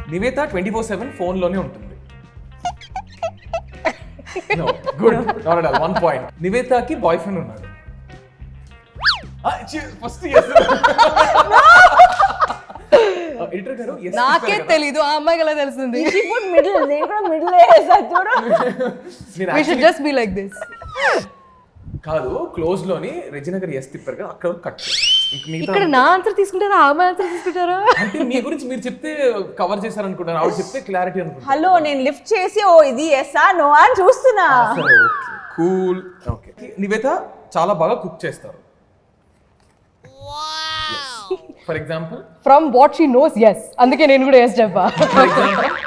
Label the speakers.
Speaker 1: Nivetha 24/7 phone లోనే ఉంటుంది. Good, not at all. 1 point. నివేతకి బాయ్ ఫ్రెండ్ ఉన్నాడు. ఫస్ట్ ఎడిటర్ గారు
Speaker 2: నాకే తెలీదు, ఆ అమ్మాయికి ఎలా తెలుస్తుంది?
Speaker 3: మిడిల్ నేను కూడా మిడిల్ వేసా చూడు.
Speaker 2: We should just be like this.
Speaker 1: కాదు, క్లోజ్ లోని రెజినా గారు ఎస్ తిప్పారు కదా, అక్కడ కట్.
Speaker 2: ఇక్కడ నా ఆన్సర్ తీసుకుంటారా, ఆ అమ్మాయి ఆన్సర్ తీసుకుంటారా?
Speaker 1: అంటే మీ గురించి మీరు చెప్తే కవర్ చేశారు అనుకుంటాను, ఆవిడ చెప్తే క్లారిటీ అనుకుంటాను.
Speaker 3: హలో, నేను లిఫ్ట్ చేసి ఓ ఇది ఎస్ఆ నో అని చూస్తున్నా.
Speaker 1: సరే, ఓకే, కూల్. ఓకే, నివేత చాలా బాగా కుక్ చేస్తారు. For example
Speaker 2: from what she knows, yes. అందుకే నేను కూడా yes చెప్పా.
Speaker 1: For example